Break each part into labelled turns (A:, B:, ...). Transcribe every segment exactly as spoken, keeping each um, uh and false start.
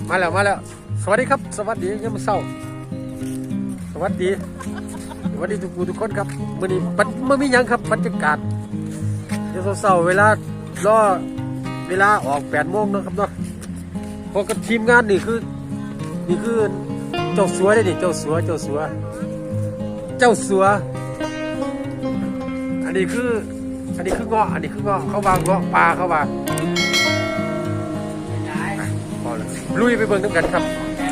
A: มาแล้วมาแล้วสวัสดีครับสวัสดียามเช้าสวัสดีสวัสดีทุกผู้ทุกคนครับมื้อนี้มันมันมีหยังครับบรรยากาศเดี๋ยวเช้าเวลารอเวลาออกแปดโมงนะครับเนาะพอกับทีมงานนี่คือนี่คือเจ้าสัวได้นี่เจ้าสัวเจ้าสัวเจ้าสัวอันนี้คืออันนี้คือเงาะอันนี้คือเงาะเขาวางเงาะปลาเขาวางพอแล้วลุยไปเบิ่งน้ำกันครับ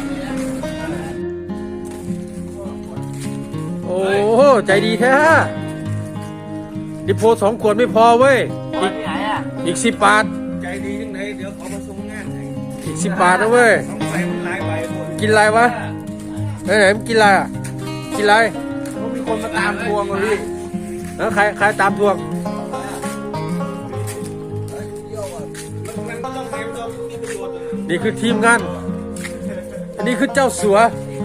A: โอ้โหใจดีแท้ดิโพสองขวดไม่พอเว้ยอีกอีกสิบบาท
B: ใจดียังไงเดี๋ยวขอมาส่งงานให้
A: อีกสิบบาทนะเว้ย
B: ต้องใส่มันหลายใบหมด
A: กินอะไรวะไหนไหนมันกินอะไรอ่ะกินอะไร
B: เขามีคนมาตามทวงเลยพี่
A: แล้วใครใครตามทวงนี่คือทีมงานอันนี้คือเจ้าสัว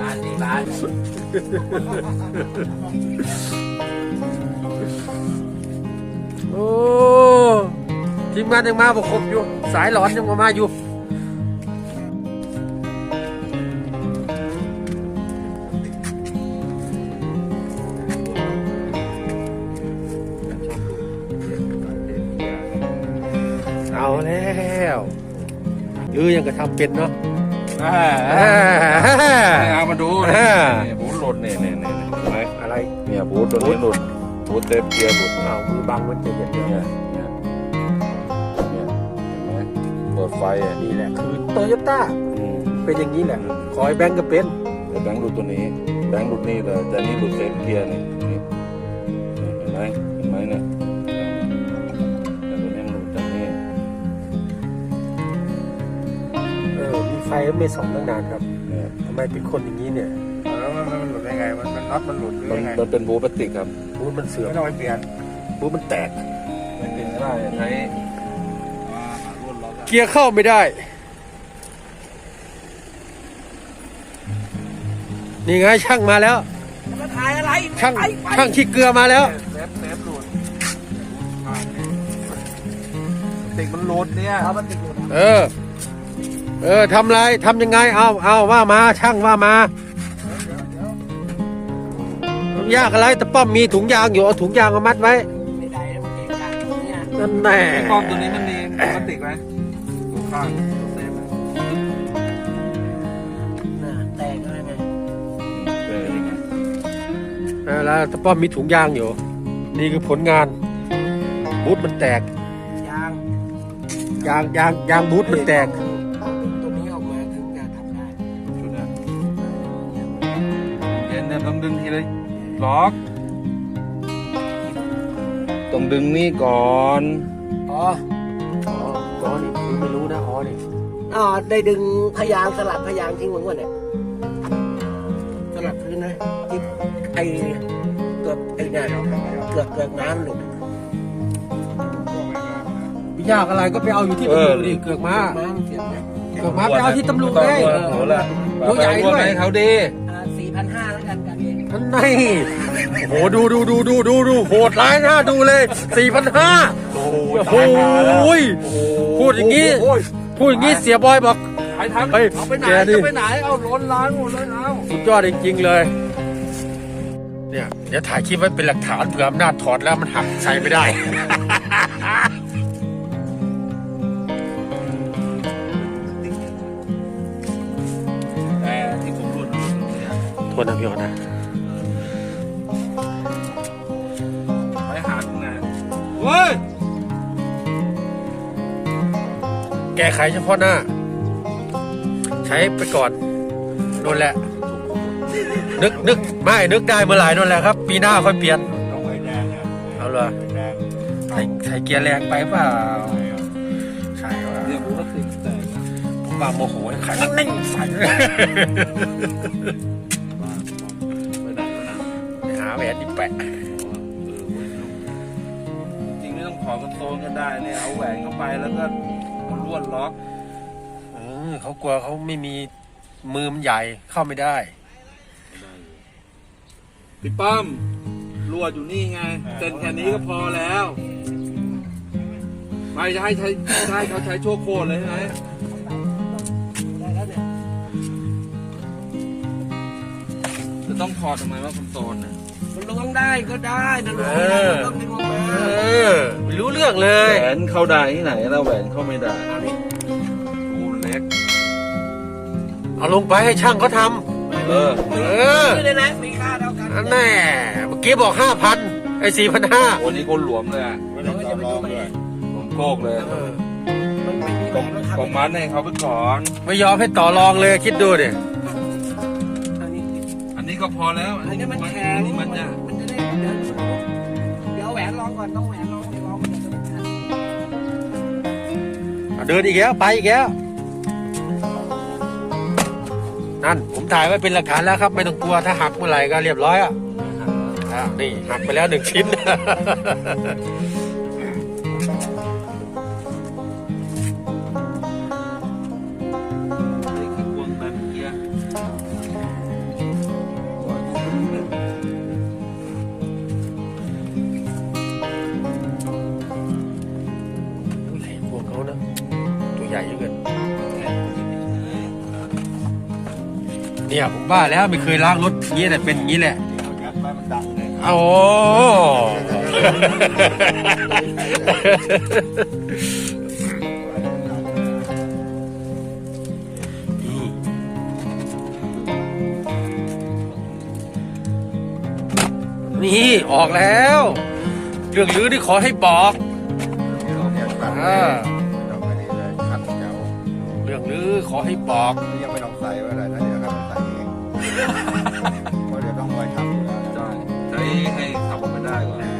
A: โอ้ทีมงานยังมาบอกครบอยู่สายหลอนยังมามาอยู่เอาแล้วหรือยังก็ทำเป็นเนาะ
B: เอามาดูเนี่ยบูทหลุดเนี่ยเนี่ยเนี่ยเห็นไหม
A: อะไร
B: เนี่ยบูทตัวนี้หลุดบูทเต็มเกียร์หลุด
A: เอามือบังมันจะเย็น
B: เนี่ยเนี่ยเนี่ยเห็นไหมเปิดไฟอ่ะ
A: นี่แหละคือโตโยต้าเป็นอย่างนี้แหละขอให้แบงก์ก็เป็น
B: แต่แบงค์หลุดตัวนี้แบงค์หลุดนี่เลยแต่นี่หลุดเต็มเกียร์นี่นี่เห็นไหมเห็นไหมเนี่ยแต่ตัวนี้หลุดจากนี่
A: ไฟไม่ส่องตั้งนานครับทำไมเป็นคนอย่างนี้เนี่ย
B: แล้วมันมันหลุดยังไงมันมันน็อตมันหลุดหรือยังไงมันเป็นบูพลาสติกครับ
A: บูมันเสื่อม
B: ไม่ต้องไปเปลี่ยน
A: บูมันแตก
B: ไม่เปลี่ยนไม่ได้ใช้
A: เกียร์เข้าไม่ได้นี่ไงช่างมาแล้ว
B: มาถ่ายอะไร
A: ช่างช่างขี้เกลือมาแล้ว
B: เซฟเซฟหลุดติกมันหลุดเนี่ย
A: เออเออทำไรทำยังไงเอาเอาว่ามาช่างว่ามา ยากอะไรแต่ป้อมมีถุงยางอยู่เอาถุงยางมามัดไว้ไม่ได้แล้วมันเองกันนั่นแน่
B: ป้อมตัวนี้มันมีพลาสติกไหมดูข้างเซฟ
A: น่าแตกอะไรไงเออยังไงแล้วแต่ป้อมมีถุงยางอยู่นี่คือผลงานบูทมันแตกยางยางยางยางบูทมันแตก
B: ต้องดึงทีเลยล็อกต้องดึงนี่ก่อน
A: อ๋ออ๋ออ๋อนี่คือไม่รู้นะอ๋อนี่
C: อ๋อได้ดึงพยางสลับพยางทิ้งหมดวะเนี่ยสลับพื้นนะที่ไอเกือบไอเนี่ยเกือบเกือบน้ำหลุด
A: พี่ยากอะไรก็ไปเอาอยู่ที่ตำรวจดิเกือกมาเกือกมาไปเอาที่ตำรวจเลยตัวใหญ่ด้วย
B: เขาดี
C: สี่พันห้าแล้วกันกันเอง
A: ท่านนี่โอ้โหดูดูดูดูดูดูโหดร้ายนะดูเลยสี่พันห้าโอ้โหพูดอย่างนี้พูดอย่างนี้เสียบอยบอก
B: ไปทำเอาไปไหนจะไปไหนเอาล้นล้างหมดเลยเอา
A: สุดยอดจริงๆเลยเนี่ยเดี๋ยวถ่ายคลิปไว้เป็นหลักฐานเผื่ออำนาจถอดแล้วมันหักใช้ไม่ได้โทษนะพี่ออนะ
B: ไปหาตรงไหนเว้ย
A: แก้ไขเฉพาะหน้าใช้ไปก่อนนั่นแหละนึกนึกไม่นึกได้เมื่อไหร่นั่นแหละครับปีหน้าค่อยเปลี่ยนเอาเลยใส่ใส่เกียร์แรงไปเปล่าใช่ว่า
B: เรียกว่าติดแต่
A: ผมว่าโมโหขายนิ่งใส่แหวนนี่แปะ
B: จริงไม่ต้องขอคอนโซลก็ได้เนี่ยเอาแหวนเข้าไปแล้วก็มันล้วนล็อก
A: เออเขากลัวเขาไม่มีมือมันใหญ่เข้าไม่ได้
B: พี่ป้อมลวดอยู่นี่ไงเส้นแค่นี้ก็พอแล้วไม่จะให้ใช้ใช้เขาใช้โชว์โคตรเลยใช่ไหมต้องถอดทำไมว่าคอนโซลน่ะ
C: มันล้วงได้ก็ได้นะล้วง
A: เอ
C: ไม่ได้
A: อ
C: มันต้องดึงออกมา
A: เออไม่รู้เรื่องเลย
B: แหวนเข้าได้ที่ไหนแล้วแหวนเข้าไม่ได้
C: อันนี้
B: รูเล็ก
A: เอาลงไปให้ช่างเขาท
B: เออ
A: ำเออ
C: นี่เลยนะมีค่าเท่ากัน
A: นั่นแน่เมื่อกี้บอกห้าพันไอ้สี่พันห้า
B: วันนี้คนหลวมเลยอะ
C: เราก็จะไปดูไป
B: หลวมโกกเลย
C: มันไม่มีแหวนแล้วครับ
B: กองมัดให้เขาไปก่อน
A: ไม่ยอมให้ต่อรองเลยคิดดูดิ
C: อันนี้
B: อันนี้ก็พอแล้ว
C: อันนี้มันแข็ง
B: อันนี้มันจะ
C: มันจะได้เดินเดี๋ยวแหวนลองก่อนต้องแหวนลองลองมันจะไม่ทัน
A: เอาเดินอีกแล้วไปอีกแล้วนั่นผมถ่ายไว้เป็นหลักฐานแล้วครับ ไม่ต้องกลัวถ้าหักเมื่อไหร่ก็เรียบร้อยอ่ะอ่ะนี่หักไปแล้วหนึ่งชิ้น
B: นี่คือพวงแบบเกียร์
A: อุ้ยพวกเขานะตัวใหญ่เยอะเกินเนี่ยผมว่าแล้วไม่เคยล้างรถอย่างนี้แต่เป็นอย่างนี้แหละ
B: เอายัดไว้มันดังเลย
A: โอ้โหนี่ออกแล้วเรื่องลือที่ขอให้บอกอ่าเรื่องลือขอให้บอก
D: ยังไม่ต้องใส่ไว้เลยนะเดี๋ยวครับใส่เองเพราะเดี๋ยวต้องคอยทำอยู่แล้ว
B: ใช่ใช้ให้ขับไม่ได้ก่อน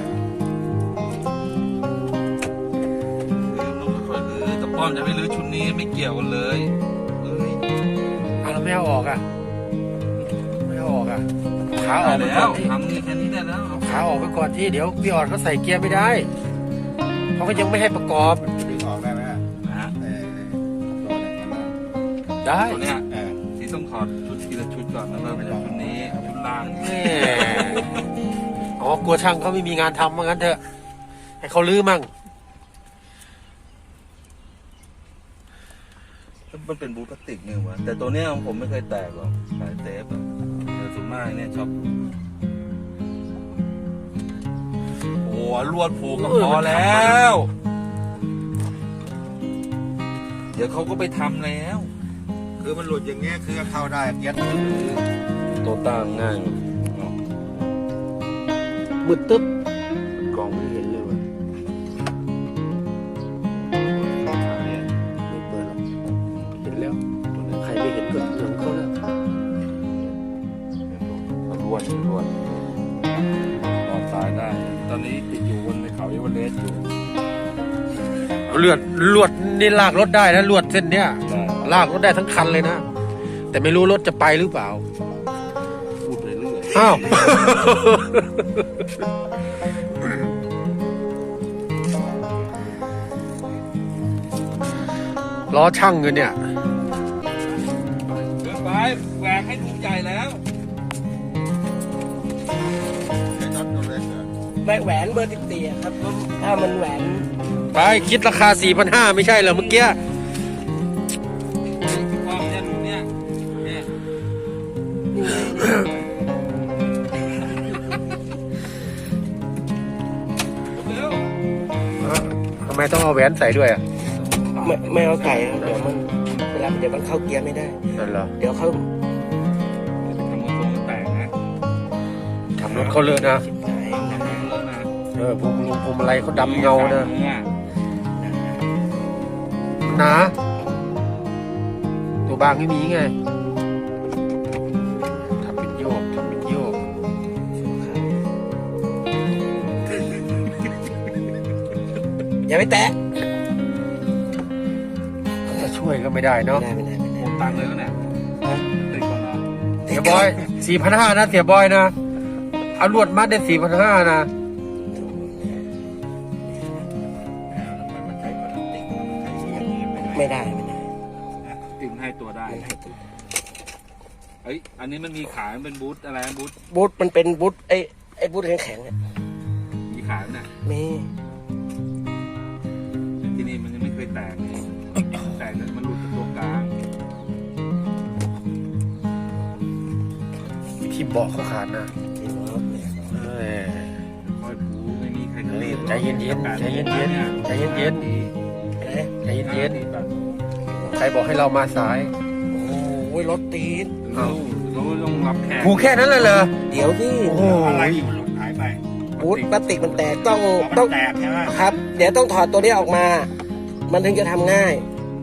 B: คือลูกค่อยๆลื้อแต่ป้อมจะไม่ลื้อชุดนี้ไม่เกี่ยวกันเลยเอ้ย
A: เอาแล้วไม่เอาออกอ่ะไม่เอาออกอ่ะขาออกไป
B: ได้
A: ก่
B: แล้
A: อ
B: วน
A: ที่
B: ทำนี่แค่นี้ได้แล้ว
A: ขาออกไปก่อนที่เดี๋ยวพี่ออดเขาใส่เกียร์ไม่ได้เขาก็ยังไม่ให้ประกอบ
D: ดึงออกได้ไหมฮะ
B: นะฮะ
D: เออตัวเนี่ยมัน
A: ได้
B: ตัวเนี้ย
D: เออ
B: ที่ต้องถอดชุดทีละชุดก่อนแล้วก็ไปจากชุดนี้ชุดล่าง
A: แม่อ๋อกลัวช่างเขาไม่มีงานทำว่างั้นเถอะให้เขาลื้อมั่ง
B: มันเป็นบูทพลาสติกเนี่ยวะแต่ตัวเนี้ยของผมไม่เคยแตกหรอกสายเซฟอะแต่ส่วนมากเนี่ยชอบโอ้ลวดผูกก็พอแล้ว เดี๋ยวเขาก็ไปทำแล้ว
D: คือมันหลุดอย่างเงี้ยคือเข้าได้เกียร์
B: ตัวตั้งง่าย
A: มืดตึ๊บ
B: กล้องไม่เห็นเลยว่ะ
A: ไม่เปิดหรอกเห็นแล้วใครไม่เห็นก็เหลืองเขาแล้ว
B: รวดรวดนอนตายได้ ตอนนี้ติดอยู่บนในเขาเอเวอเรสต์อยู่
A: เลือดลวดนี่ลากรถได้นะลวดเส้นเนี้ย
B: ได้
A: ลากรถได้ทั้งคันเลยนะแต่ไม่รู้รถจะไปหรือเปล่า
B: พูดไปเรื่อย
A: อ้าว ล้อช่างเงินเนี่ย
B: เดินไปแหวกให้ทุกใหญ่แล้ว
D: ไอ้น็อตตัวเล็กเหรอ
C: ไม่แหวนเบอร์สิบสี่ครับถ้ามันแหวน
A: ไปคิดราคา สี่พันห้าร้อย ไม่ใช่เหรอเมื่อกี้
B: ความเนี่ยหนูเนี่ยเนี่ยเร็ว
A: ทำไมต้องเอาแหวนใส่ด้วยอ่ะ
C: ไม่ไม่เอาใส่ครับเดี๋ยวมันเวลาเดี๋ยวมันเข้าเกียร์ไม่ได้
A: นั่นเหรอ
C: เดี๋ยวเขา
B: ทำมือตรงมันแตกนะ
A: ทำรถเขาเลอะนะ
C: ชิบหายนะ
B: เลิกนะ
A: เออพวงลุงพวงมาลัยเขาดำเงานะหนา ตัวบางไม่มีไงทำเป็นโยกทำเป็นโยก
C: อย่าไปแตะ
A: จะช่วยก็ไม่ได้เนาะ
C: ไม่ได้ไม่ได้ไม่
B: ห
C: ได้
B: มดตังค์เลยแล้วเนี่ยติดก่อนเหรอ
A: เสียบอย สี่พันห้าร้อย นะเสียบอยนะเอาลวดมัดได้ สี่พันห้าร้อย นะ
D: มันใช้พลาสติกมันใช้อย่างนี้ไม่ได้
C: ไม่ได้ไม่ได้
B: ติมให้ตัวได้
C: มันให้ตัว
B: เอ้ยอันนี้มันมีขายมันเป็นบูธอะไรนะบูธ
C: บูทมันเป็นบูทไอ้ไอ้บูทแข็งๆเนี่ย
B: มีขายไหมเนี่ย
C: มี
B: ที่นี่มันยังไม่เคยแตกเลยแตกเนี่ยมันหลุดจากตัวกลาง
A: วิธีที่เบาะเขาขาดนะ
C: ที่บอกเนี่ย
A: เอ้ย
B: คอยปูไม่มีใคร
A: เอ้ยใจเย็นๆใจเย็นๆใจเย็น
C: เอ๊ะ
A: ๆใจเย็นๆใครบอกให้เรามาสาย
C: โอ้ยรถตีน
A: อ้าว
B: รู้ต้องรับแขก
A: กูแค่นั้นเลยเหรอ
C: เดี๋ยวที่
A: โอ้โห
B: อะไรที่มันหลุดหายไป
C: บูธพลาสติกมันแตกต้อง
B: ต้
C: ต้
B: อ
C: อง ง
B: แตกใช่ไหม
C: ครับ เดี๋ยวต้องถอดตัวนี้ออกมา มันถึงจะทำง่าย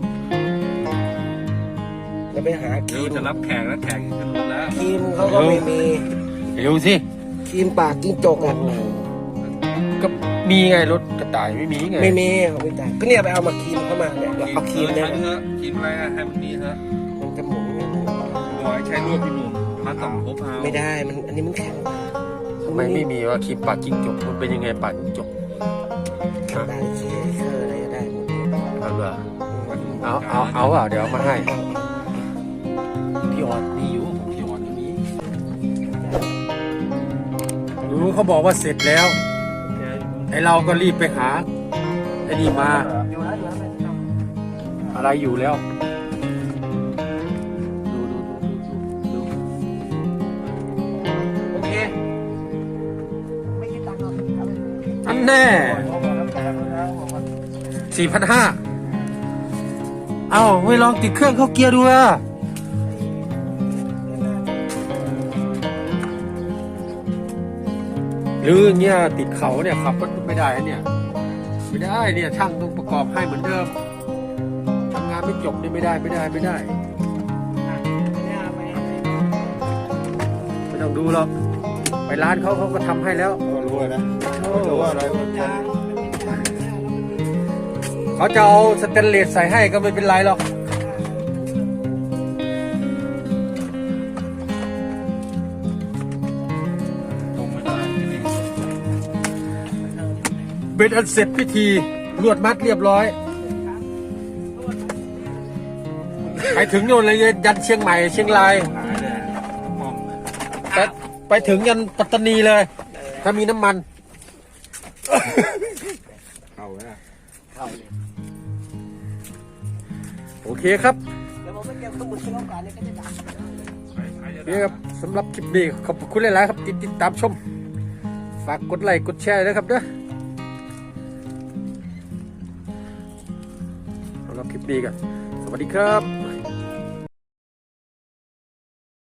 C: จะไปหาค
B: เดี๋
C: รี
B: ยว
C: ม
B: จะรับแขกแล้วแขกขึ้นรถแล้ว
C: ครีมเขาก็ไม่มี
A: เร็วสิ
C: ครีมปากจิ้งจกอ่ะ
A: ก็มีไงรถกระต่ายไม่มีไง
C: ไม่มีเอาไม่ได้ก็เนี่ยไปเอามาครีมเข้ามาเนี่ยเอาครีมเนี่ย
B: ใช้เถอะกินอะไรอะให้มันมีเถอะ
C: มันจะหมุนเนี่ย
B: บอยใช้ลวดพี่หนุ่มมาต้องพบเอา
C: ไม่ได้มันอันนี้มันแข็ง
A: ทำไมไม่มีว่าครีมปากจิ้งจกมันเป็นยังไงปากจิ้งจก
C: ได้เคเคอร์อะไรก็ได้หมด
A: เอาเหรอเอาเอาเอาอ่ะเดี๋ยวเอามาให้พี่ออดมีอยู่ของพี่ออดมีรู้เขาบอกว่าเสร็จแล้วไอเราก็รีบไปหาไอ้นี่มา
C: อยู่แล้วอยู่แล้วไม่ต้อง
A: อะไรอยู่แล้วดูดูดูดูดู
C: โอเคไม่คิดตังค์หรอกเอาไป
A: อันแน่สี่พันห้าเอ้าไม่ลองติดเครื่องเข้าเกียร์ดูอ่ะหรืออย่างเงี้ยติดเขาเนี่ยขับรถไม่ได้เนี่ยไม่ได้เนี่ยช่างต้องประกอบให้เหมือนเดิมทำงานไม่จบเนี่ยไม่ได้ไม่ได้ไม่ได้ ไม่ต้องดูหรอกไปร้านเขาเขาก็ทำให้แล้ว
D: ก็รู้นะรู้ว่าอะไรมันท
A: เขาจะเอาสเตนเลสใส่ให้ก็ไม่เป็นไรหรอกเป็นอันเสร็จพิธีลวดมัดเรียบร้อยไปถึงโน่นเลยยันเชียงใหม่เชียงราย
B: หายเลยห้อง
A: ไปไปถึงยันปัตตานีเลย ถ้ามีน้ำมัน
B: เข้าแล้ว
C: เข้าเลย
A: โอเคครับ
C: เดี๋ยวผมไปเก็บสมุดที่ห้องก่อนเนี่ยก็จะดับ
A: นี่ครับสำหรับคลิปนี้ขอบคุณหลายๆครับที่ติดตามชม ฝากกดไลค์กดแชร์ด้วยครับเด้อสำหรับคลิปนี้กันสวัสดีครับ